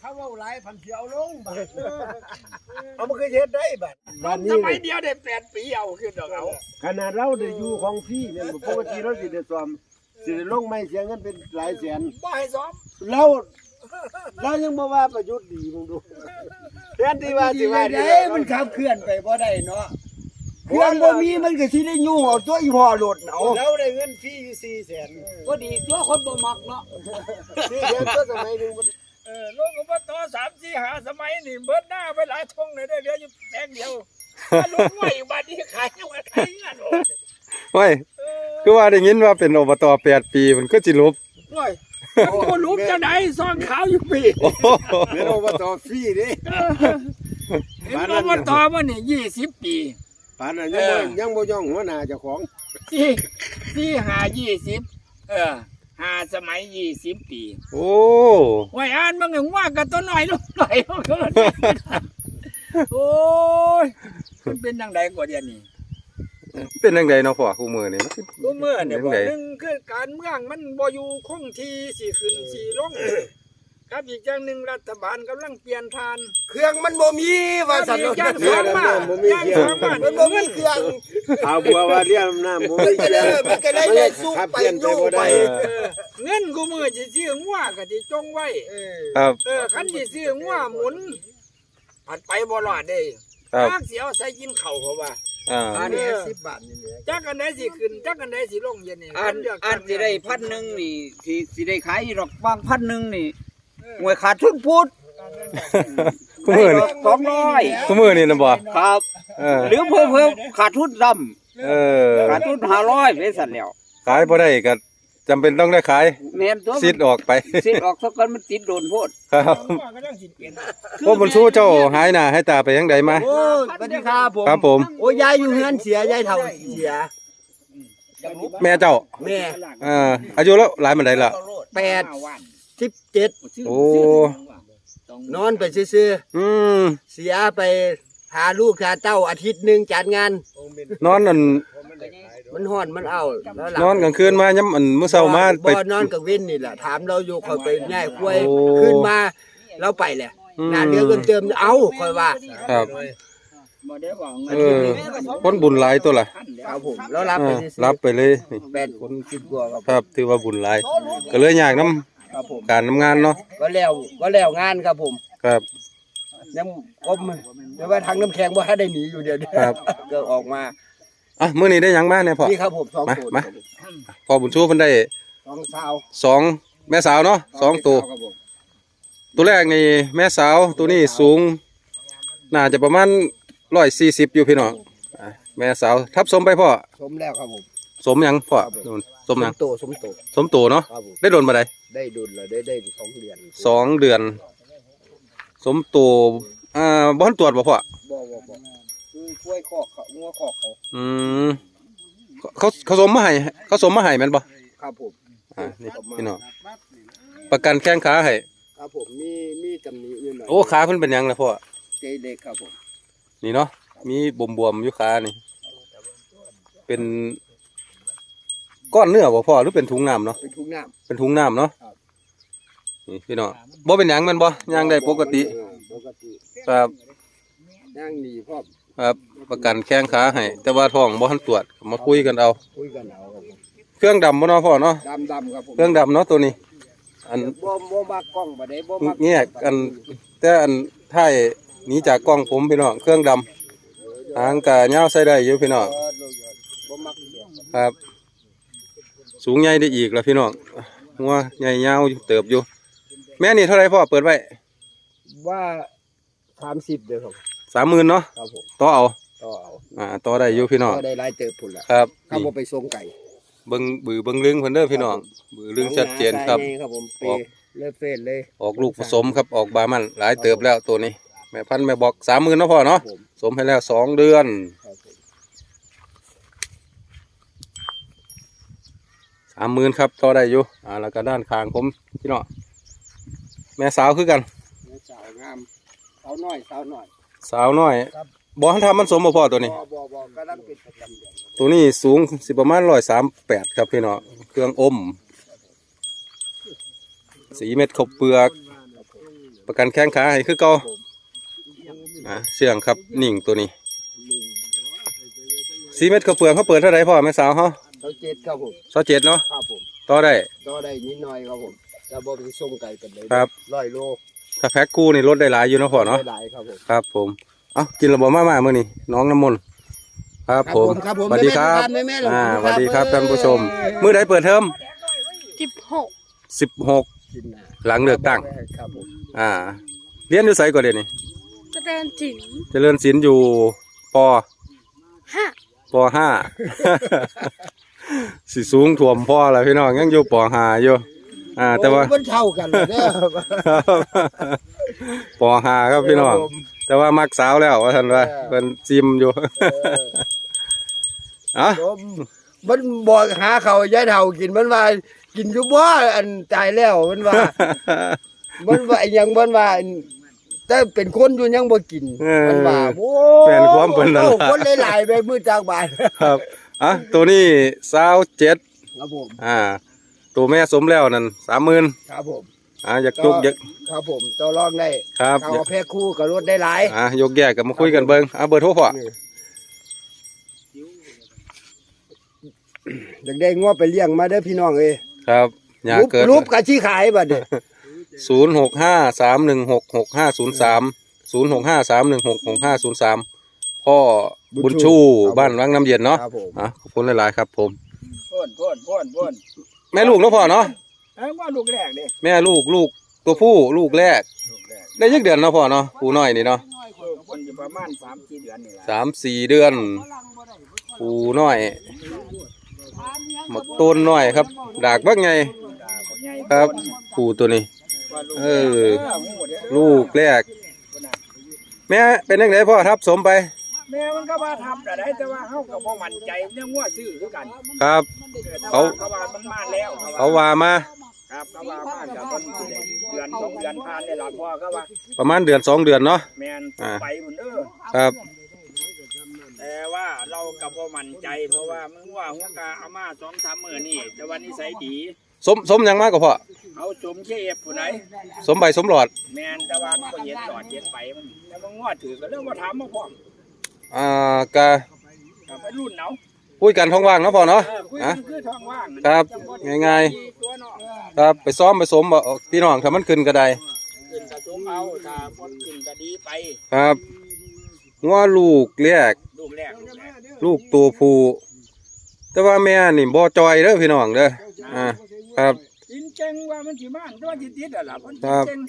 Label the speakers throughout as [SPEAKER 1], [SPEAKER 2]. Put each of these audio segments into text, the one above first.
[SPEAKER 1] เขาว่าหลายพันเสียวลงบัด
[SPEAKER 2] เอามาคือเฮ็ดได้บัด
[SPEAKER 1] สมัยเดียวได้8 ปีเอาคือดอกเอา
[SPEAKER 2] ขนาดเราได้อยู่ของฟรีเนี่ยปกติเราสิได้ซ้อมสิได้ลงไม่เสียเงินเป็นหลายแสน
[SPEAKER 1] บ่ให้ซ้อม
[SPEAKER 2] เรายังบ่ว่าประยุทธ์ดีมึงดูแทนที่ว่าสิว่าดีมันขับเคลื่อนไปบ่ได้เนาะเครื่องบ่มีมันก็สิได้ยุ่งเอาตัวอีพ่อโลดเอาเราได้เงินฟรีอยู่400,000
[SPEAKER 1] ก็ดีตัวคนบ่มักเนาะ
[SPEAKER 2] 400,000ก็สมัยนึง
[SPEAKER 1] ลงอบต3 4 5สมัยนี่เบิดหน้าไปหลายทงเลยได้เหลืออยู่แพงเดียวลูกไว้บัดนี้ขายยังว่าขายงานโอด
[SPEAKER 3] เฮ้ยคือว่าได้ยินว่าเป็นอบต8 ปีมันก็สิลบ
[SPEAKER 1] โอ้ยบ่รู้จะไหนซ่อนขาวอยู่ปี
[SPEAKER 3] โอ้โห
[SPEAKER 2] เป็นอบตฟรีเด้
[SPEAKER 1] เห็นอบตมานี่20 ปี
[SPEAKER 2] ปานนั้นยังบ่ย่องหัวหน้าเจ้าของ
[SPEAKER 1] 4 5 205สมัย20 ปี
[SPEAKER 3] โอ้
[SPEAKER 1] ไว้อ่านมันก็ว่ากันตัวหน่อยลงหน่อยเกินโอ้ยมันเป็นจังไดกว่าเดี๋ยวนี้
[SPEAKER 3] เป็นจังไดเนาะพ่อคู่มือนี่มันคือ
[SPEAKER 1] ตัวเมื่อเนี่ย
[SPEAKER 3] เป็น
[SPEAKER 1] บ่
[SPEAKER 3] ไง
[SPEAKER 1] หนึ่งคือการเมืองมันบ่อยู่คงที่สิขึ้นสิลงครับอีกอย่างหนึ่งรัฐบาลกำลังเปลี่ยนทาน
[SPEAKER 2] เครื่องมันบ่มีว่าซั่น
[SPEAKER 1] อีกอย่างสองมาอย่างสองมา
[SPEAKER 2] มันบ่มีเครื่องเอาบัวว่าเรียมน้ำบ่มีเครื่องมันก็ได้สู้ไปอยู่ไป
[SPEAKER 1] เงินกูมือสิซื้องัวก็สิจงไว้
[SPEAKER 3] ครับ
[SPEAKER 1] คันสิซื้องัวหมุนผัดไปบ่รอดเด้
[SPEAKER 3] ครับ
[SPEAKER 1] ทางเสียวใส่กินข้าวเขาว่า
[SPEAKER 2] อันนี้10 บาทนี่แหละ
[SPEAKER 1] จักอันใดสิขึ้นจักอันใดสิลงเย็นนี่
[SPEAKER 4] อันสิได้1,000นี่สิได้ขายดอกบาง1,000นี่หวยขาดทุนพูด
[SPEAKER 3] คู่มือนี่
[SPEAKER 4] 200
[SPEAKER 3] คู่มือนี่นะบ่
[SPEAKER 4] ครับ หรือเพิ่มขาดทุนดำขาดทุน500เป็นสั่นแล้ว
[SPEAKER 3] ขายบ่ได้ก็จำเป็นต้องได้ขาย
[SPEAKER 4] แม่นตัว
[SPEAKER 3] ซิดออกไป
[SPEAKER 4] สิออกซะก่อนมันติดโดนโพด
[SPEAKER 3] ครับ
[SPEAKER 1] ก็ต้องสิเป็น
[SPEAKER 3] พวกบนสู้เจ้าหายหน้าให้ตาไปยังใดมา
[SPEAKER 2] โอ้สวัสดีครับผม
[SPEAKER 3] ครับผม
[SPEAKER 2] โอ้ยายอยู่เฮือนเสียยายเฒ่าเสีย
[SPEAKER 3] แม่เจ้า
[SPEAKER 2] แม่
[SPEAKER 3] อายุแล้วหลายมันไดล่ะ
[SPEAKER 2] 87
[SPEAKER 3] โอ้
[SPEAKER 2] นอนไปซื่อ
[SPEAKER 3] อืม
[SPEAKER 2] ๆเสียไปหาลูกหาเต้าอาทิตย์หนึงจัดงาน
[SPEAKER 3] นอนนั่น
[SPEAKER 2] มันฮ้อนมันเอาแล้วหลับ
[SPEAKER 3] นอนกลางคืนมายามอันมื้อเช้ามาไป
[SPEAKER 2] บ่นอนกับเว้นนี่แหละถามเราอยู่ค่อยไปง่ายคุย
[SPEAKER 3] โอ้
[SPEAKER 2] ขึ้นมาเราไปแหละ
[SPEAKER 3] อืม
[SPEAKER 2] หน้าเดือนเติมๆเอาค่อยว่า
[SPEAKER 3] ครับ
[SPEAKER 1] บ่ได้ว่า
[SPEAKER 3] คนบุญหลายตัวล่ะ
[SPEAKER 2] ครับผมแล้วรับไปซื่อๆ
[SPEAKER 3] รับไปเลยนี่
[SPEAKER 2] 8คน10กว่าครับ
[SPEAKER 3] ครับถือว่าบุญหลาย ก็เลยยากนํ
[SPEAKER 2] ครับผม
[SPEAKER 3] การทำงานเนาะ
[SPEAKER 2] ก็แล้วงานครับผม
[SPEAKER 3] ครับ
[SPEAKER 2] ยังอมแต่ว่าทางน้ำแข็งบ่ทันได้หนีอยู่เดี๋ยวนี้
[SPEAKER 3] ครับ
[SPEAKER 2] ก็ออกมา
[SPEAKER 3] อ่ะมื้อนี้ได้หยังมาเนี่ยพ่อ
[SPEAKER 2] นี่ครับผม2
[SPEAKER 3] มา
[SPEAKER 2] ตัว
[SPEAKER 3] มา พ่อบุญชูเพิ่นได้
[SPEAKER 2] 2สาว
[SPEAKER 3] 2แม่สาวเนาะ2ตัว
[SPEAKER 2] ครับผม
[SPEAKER 3] ตัวแรกนี่แม่สาวตัวนี้สูงน่าจะประมาณ140อยู่พี่น้องแม่สาวทับสมไปพ่อ
[SPEAKER 2] สมแล้วครับผม
[SPEAKER 3] สมหยังพ่อสมหยัง
[SPEAKER 2] โตสมโต
[SPEAKER 3] สมตัวเนาะ
[SPEAKER 2] ครับผม
[SPEAKER 3] ได้โดนมาได
[SPEAKER 2] ได้ดุลแล้วได้2 เดือน
[SPEAKER 3] 2 เดือน สมตัวบ่ทันตรวจบ่พ่อ
[SPEAKER 2] บ่คือกล้วยคอกเขางัวคอกเขา
[SPEAKER 3] อืมเขาสมมาให้เขาสมมาให้แม่นบ่
[SPEAKER 2] ครับผม
[SPEAKER 3] นี่พี่น้องประกันแข้งขาให้
[SPEAKER 2] ครับผมมีตำหนิอยู่หน่อย
[SPEAKER 3] โอ้ขาเพิ่นเป็นหยังล่ะพ่อ
[SPEAKER 2] ใจเล็กครับผม
[SPEAKER 3] นี่เนาะมีบวมๆอยู่ขานี่เป็นก้อนเนื้อบ่พ่อหรือเป็นถุงน้ำเนาะ
[SPEAKER 2] เป็นทุ่งน้
[SPEAKER 3] เป็นถุงน้ำเนาะ
[SPEAKER 2] ครับ
[SPEAKER 3] นี่พี่น้องบ่เป็นหยังแมันบ่ย่างได้ปกติ
[SPEAKER 2] ปกติ
[SPEAKER 3] ครับ
[SPEAKER 2] ย่างดีพร้อม
[SPEAKER 3] ครับประกันแข้งขาให้แต่ว่าท้องบ่ทันตรวจก็มาคุยกันเอา
[SPEAKER 2] คุยกันเอาครับผม
[SPEAKER 3] เครื่องดำบ่เนาะพ่อเนาะ
[SPEAKER 2] ดำครับผม
[SPEAKER 3] เครื่องดำเนาะตัวนี้ อัน
[SPEAKER 2] บ่มากล้องบ่ได้บ่มัก
[SPEAKER 3] เงียกอันแต่อันท้ายหนีจากกล้องผมพี่น้องเครื่องดำหางกะยาวใส่ได้อยู่พี่น้อง
[SPEAKER 2] บ่มัก
[SPEAKER 3] ครับ สูงใหญ่ได้อีกแล้วพี่น้องหัวใหญ่ยาวอยู่เติบอยู่ แม่นี่เท่าไหรพ่อเปิดไว้
[SPEAKER 2] ว่า30เด้อครับ
[SPEAKER 3] 30,000เนาะ
[SPEAKER 2] ครับผม
[SPEAKER 3] ต่อเอา
[SPEAKER 2] ต่อเอา
[SPEAKER 3] ต่อได้อยู่พี่น้อง
[SPEAKER 2] ก็ได้หลายเติบพุ่นล่ะ
[SPEAKER 3] ครับ
[SPEAKER 2] ถ้า
[SPEAKER 3] นี่
[SPEAKER 2] บ่ไปส่งไก่
[SPEAKER 3] เบิ่งเบิ่งลึงเพิ่นเด้อพี่น้องบือลึงชัดเจนครับ
[SPEAKER 2] ครับผมเป
[SPEAKER 3] ออก
[SPEAKER 2] เลยเฟซเลย
[SPEAKER 3] ออกลูกผสมครับออกบามันหลายเติบแล้วตัวนี้ แม่พันธุ์แม่บอก30,000เนาะพ่อเนาะ
[SPEAKER 2] ผม
[SPEAKER 3] สมให้แล้ว2 เดือน
[SPEAKER 2] ครับผม
[SPEAKER 3] 30,000ครับต่อได้อยู่แล้วก็ด้านข้างผมพี่น้องแม่สาวคือกัน
[SPEAKER 2] สาวงามสาวน้อย
[SPEAKER 3] สาวน้อย
[SPEAKER 2] ครับ
[SPEAKER 3] บ่ทันทำมันสมบ่พ่อตัวนี้
[SPEAKER 2] บ่กำลังเป็นประจำเดือนครับ
[SPEAKER 3] ตัวนี้สูงสิประมาณ138ครับพี่น้องเครื่องอมสีเม็ดข้าวเปลือกประกันแข้งขาให้คือเก่าเชื่องครับนิ่งตัวนี้4 เม็ดข้าวเปลือกเขาเปิดเท่าไหร่พ่อแม่สาวเขา
[SPEAKER 2] 27ครับผม
[SPEAKER 3] 27เนาะ
[SPEAKER 2] ครับผม
[SPEAKER 3] ต่อได้
[SPEAKER 2] ต่อได้นิดหน่อยครับผมแต่บ่ไปส่งไก่กันเลย
[SPEAKER 3] ครับ
[SPEAKER 2] 100 โล
[SPEAKER 3] ถ้าแพ็คคู่นี่ลดได้หลายอยู่เนาะพ่อเนาะ
[SPEAKER 2] หลายครับผม
[SPEAKER 3] ครับผมเอ้ากินระบบมามื้อนี้น้องน้ำมนต์ครับผม
[SPEAKER 2] ครับผม
[SPEAKER 3] สวัสดีครับ
[SPEAKER 2] แม่ๆ
[SPEAKER 3] สวัสดีครับท่านผู้ชมมื้อใดเปิดเทอม
[SPEAKER 5] 16
[SPEAKER 3] 16
[SPEAKER 2] กินน่ะ
[SPEAKER 3] หลังเลือกตั้ง
[SPEAKER 2] ครับผม
[SPEAKER 3] เรียนอยู่ไสก่อนเดี๋ยวนี้
[SPEAKER 5] แสดงถึง
[SPEAKER 3] เจริญศิลป์อยู่ป
[SPEAKER 5] 5
[SPEAKER 3] ป .5 สิสูงถ่วมพ่อแล้วพี่น้องยังอยู่ป .5 อยู่แต่ว่า
[SPEAKER 2] โอ้มันเท่ากันเลยเด้อ
[SPEAKER 3] ป .5 ครับพี่น้อง แต่ว่ามักสาวแล้วว่าท่านว่าเป็นซิมอยู่
[SPEAKER 2] ผมมันบอกหาเขาวย้ายเท่ากินมันว่ากินอยู่บ่อันตายแล้วมันว่า มันว่าอิหยังมันว่าแต่เป็นคนอยู่ยังบ่กิน มันว่าโอ้
[SPEAKER 3] แม่นความเพิ่นนั่นล่ะ
[SPEAKER 2] คนหลายๆไปมือจากบ้าน
[SPEAKER 3] ครับตัวนี้27
[SPEAKER 2] ครับผม
[SPEAKER 3] ตัวแม่สมแล้วนั่น 30,000
[SPEAKER 2] ครับผม
[SPEAKER 3] อยากจุกอยาก
[SPEAKER 2] ครับผมต่อรองได้
[SPEAKER 3] ครับ
[SPEAKER 2] เขาแพ็คคู่กับรถได้หลาย
[SPEAKER 3] ยกแยกกันมาคุยกันเบิ่งเบอร์โทรพ่อ
[SPEAKER 2] อยากได้งัวไปเลี้ยงมาเด้อพี่น้องเอ้ย
[SPEAKER 3] ครับอยากเกิด
[SPEAKER 2] รูปกะชี้ขายบัดนี้
[SPEAKER 3] 0653166503 พ่อบุญชูบ้านวังน้ำเย็นเนาะ
[SPEAKER 2] ครับผม
[SPEAKER 3] ขอบคุณหลายๆครับผม
[SPEAKER 1] พ่น
[SPEAKER 3] แม่ลูกเนาะพ่อเนาะ
[SPEAKER 1] ว่าลูกแรกเด้
[SPEAKER 3] แม่ลูกตัวผู้ลูกแรก ได้ยักเดือนเนาะพ่อเนาะผู้น้อยนี่เนาะ
[SPEAKER 1] คนอยู่ประมาณ3-4 เดือนนี่แหละ
[SPEAKER 3] 3-4 เดือนผู้น้อยหมกต้นน้อยครับดากบักไงครับผู้ตัวนี้ ลูกแรก แม่เป็นยังไงพ่อทับสมไป
[SPEAKER 1] แม่มันก็ว่าทำได้แต่ว่าเฮาก็บ่มั่นใจเนี่ยงัวซื้อคือกัน
[SPEAKER 3] ครับ
[SPEAKER 1] เขาว่ามันมาแล้ว
[SPEAKER 3] เขาว่ามา
[SPEAKER 1] ครับเขาว่ามาจากต้นเดือน2 เดือนผ่านได้หลายพ่อเขาว่า
[SPEAKER 3] ประมาณเดือน2 เดือนเนาะ
[SPEAKER 1] แม่นไปพุ่นเด้อ
[SPEAKER 3] ครับ
[SPEAKER 1] แต่ว่าเราก็บ่มั่นใจเพราะว่ามันว่าหัวกาเอามา 2-3 มื้อนี่แต่ว่านิสัยดี
[SPEAKER 3] สมยังมากกว่าพ่อ
[SPEAKER 1] เอาสมเชฟผู้ไหน
[SPEAKER 3] สมใบสมหลอด
[SPEAKER 1] แม่นแต่ว่ามันก็เห็นหลอดเห็นไปมันแล้วมันงอถือก็เรื่องว่าถามมาพร้อม
[SPEAKER 3] ก็
[SPEAKER 1] กับไปรุ่นเนาะ
[SPEAKER 3] คุยกันท้องว่างเนาะพ่อเนาะ
[SPEAKER 1] คุย
[SPEAKER 3] อ่ะ
[SPEAKER 1] กันคือท้องว่าง
[SPEAKER 3] ครับง่าย
[SPEAKER 1] ตัวเนาะ
[SPEAKER 3] ๆครับไปซ้อมไปสมบ่พี่น้องถ้ามันขึ้นก็ได้
[SPEAKER 1] กินกระสมเอาถ้าพอกินก็ดีไป
[SPEAKER 3] ครับงัวลูกแรก
[SPEAKER 1] ลูกแรก
[SPEAKER 3] ลูกตัวผู้แต่ว่าแม่นี่บ่จอยเด้อพี่น้องเด้อครับ
[SPEAKER 1] กินเก่งว่ามันสิมาตัวที่ติดอ่ะล่ะมันกินเก่ง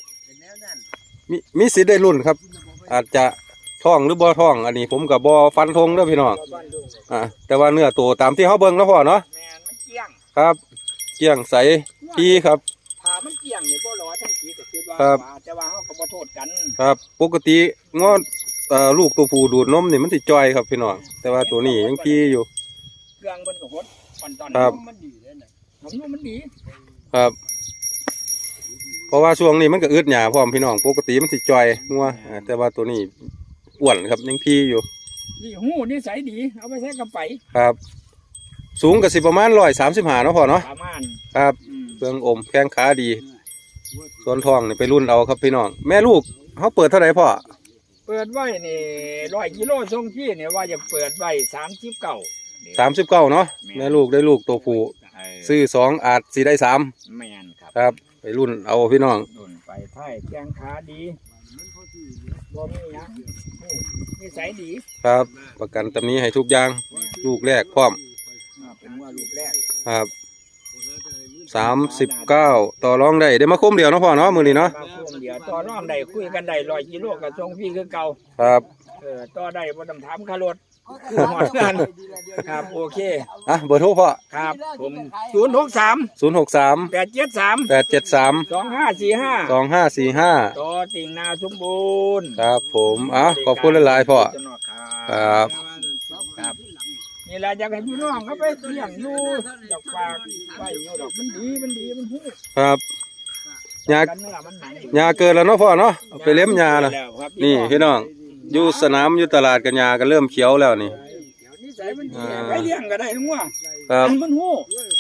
[SPEAKER 3] มีสิทธิ์ได้รุ่นครับ อาจจะท่องหรือบ่ท่อง อันนี้ผมกับบ่ฟันธงเด้อพี่น้องแต่ว่าเนื้อตัวตามที่เฮาเบิ่งแล้วพ่อเนาะ
[SPEAKER 1] แม่นมันเกี่ยง
[SPEAKER 3] ครับเกี่ยงใสพี่ครับ
[SPEAKER 1] ถ้ามันเกี่ยงนี่บ่รอทั้งทีก็คือว่า
[SPEAKER 3] ครับ
[SPEAKER 1] แต่ว่าเฮาก็บ่โทษกัน
[SPEAKER 3] ครับปกติงอลูกตัวผู้ดูดนมนี่มันสิจอยครับพี่น้องแต่ว่าตัวนี้ยังพี่อยู่
[SPEAKER 1] เครื่องมันก็หดปันตอน
[SPEAKER 3] ครับ
[SPEAKER 1] มันดีเลยน่ะผมมันดี
[SPEAKER 3] ครับ เพราะว่าช่วงนี้มันก็อึดหยาพร้อมพี่น้องปกติมันสิจอยงัวแต่ว่าตัวนี้อ้วนครับยังพี่อยู่
[SPEAKER 1] นี่หูนิสัยดีเอาไปใช้กับไป
[SPEAKER 3] ครับ สูงก็สิประมาณ135เนาะพ่อเนาะ
[SPEAKER 1] ประมาณ
[SPEAKER 3] ครับเครื่องอมแข้งขาดี ส่วนทองนี่ไปรุ่นเอาครับพี่น้องแม่ลูกเขาเปิดเท่าไหร่พ่อ
[SPEAKER 1] เปิดไว้นี่100 กิโลทรงที่เนี่ยว่าจะเปิดไว้39
[SPEAKER 3] 39เนาะแม่ลูกได้ลูกตัวผู้ซื้อ2อาจสิได้3
[SPEAKER 1] แม่นครับ
[SPEAKER 3] ครับไปรุ่นเอาพี่น้อง
[SPEAKER 1] นุ่นไปไพ่แข้งขาดีบ่มีหยังนิสัยดี
[SPEAKER 3] ครับ ประกันตำนี้ให้ทุกอย่างลูกแรกพร้อม
[SPEAKER 1] เป็นว่าลูกแรก
[SPEAKER 3] ครับ39ต่อรองได้มาคมเดียวเนาะพ่อเนาะมื้อนี้เนาะ
[SPEAKER 1] มาคุมเดี๋ยวต่อรองได้คุยกันได้100 กิโลกับทรงพี่คือเก่า
[SPEAKER 3] ครับ
[SPEAKER 1] ต่อได้บ่ต้องถามค่ารถคือหอดกันครับโอเค
[SPEAKER 3] เบอร์โทรพ่อ
[SPEAKER 1] ครับผม063
[SPEAKER 3] 063
[SPEAKER 1] 873
[SPEAKER 3] 873
[SPEAKER 1] 2545
[SPEAKER 3] 2545
[SPEAKER 1] ต่อติ่งนาสมบูรณ์
[SPEAKER 3] ครับผมขอบคุณหลายๆพ่อครับ
[SPEAKER 1] ครับนี่แหละอยากให้พี่น้องเขาไปเลี้ยงอยู่ดอกฝากไว้อยู่ดอกมันดีมันหู้
[SPEAKER 3] ครับยา
[SPEAKER 1] กันเนื้อมันหนัง
[SPEAKER 3] ยาเกินแล้วเนาะพ่อเนาะเอาไปเลี้ยมยาน่ะ
[SPEAKER 1] แล้วครับ
[SPEAKER 3] นี่พี่น้องอยู่สนามอยู่ตลาดกันยาก็เริ่มเขียวแล้วนี่
[SPEAKER 1] นิสัยมันดีไปเลี้ยงก็ได้ทั้งว่า
[SPEAKER 3] ครับ
[SPEAKER 1] มันหู้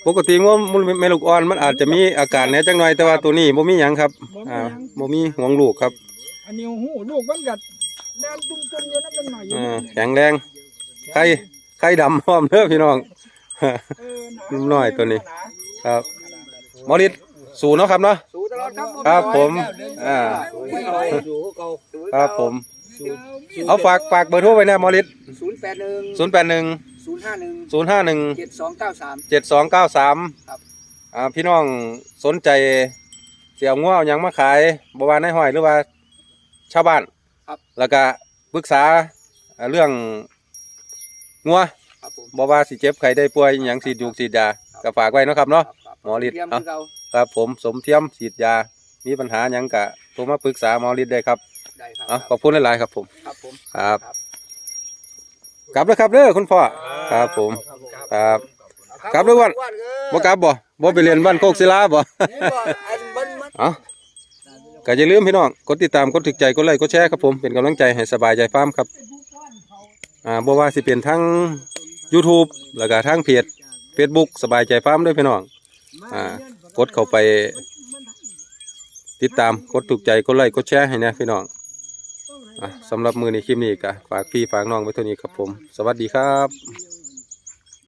[SPEAKER 3] ปกติว่าแม่ลูกอ่อนมันอาจจะมีอาการแหน่จังหน่อยแต่ว่าตัวนี้บ่มีหยังครับบ่มีห่วงลูกครับ
[SPEAKER 1] อันนี้หูลูกมันกัดแดนจุ่มๆอยู่นั่นเป็นหน่อยอยู่
[SPEAKER 3] แข็งแรงไข่ดำพร้อมเด้อพี่น้อง นุ่มน้อยตัวนี้ ครับหมอฤทธิ์สู้เนาะครับเนาะ
[SPEAKER 2] สู้ตลอดครับ
[SPEAKER 3] ครับผม
[SPEAKER 2] สู้เก่า
[SPEAKER 3] ครับผมเอาฝากเบอร์โทรไว้นะหมอฤทธิ์
[SPEAKER 2] 081
[SPEAKER 3] 081
[SPEAKER 2] 051
[SPEAKER 3] 051
[SPEAKER 2] 7293
[SPEAKER 3] 7293พี่น้องสนใจเสี่ยวงัวเอาหยังมาขายบ่ว่าในห้อยหรือว่าชาวบ้าน
[SPEAKER 2] ครับ
[SPEAKER 3] แล้วก็ปรึกษาเรื่องงัว
[SPEAKER 2] ครับผม
[SPEAKER 3] บ่ว่าสิเจ็บไข้ได้ป่วยอิหยังสิดูกสีดยาก็ฝากไว้เนาะครับเนาะหมอฤทธิ์
[SPEAKER 2] เตรียม
[SPEAKER 3] เนาะ
[SPEAKER 2] เก่า
[SPEAKER 3] ครับผมสมเทียมฉีดยามีปัญหาหยังก็โทรมาปรึกษาหมอฤทธิ์ได้ครับ
[SPEAKER 2] ได้ครั
[SPEAKER 3] ขอบคุณหลายๆครับผม
[SPEAKER 2] ครับผม
[SPEAKER 3] ครับกลับแล้วครับเด้อคุณพ่อครับผมครับกลับด้วยวันบ่กลับบ่ไปเรียนบ้านโคกศิลาบ่เอ้าก็อย่าลืมพี่น้องกดติดตามกดถึกใจกดไลค์กดแชร์ครับผมเป็นกำลังใจให้สบายใจฟาร์มครับบ่ว่าสิเป็นทั้ง YouTube แล้วก็ทั้งเพจ Facebook สบายใจฟาร์มด้วยพี่น้องกดเข้าไปติดตามกดถูกใจกดไลค์กดแชร์ให้นะพี่น้องสำหรับมือในคลิปนี้ก็ฝากพี่ฝากน้องไว้เท่านี้ครับผมสวัสดีครับ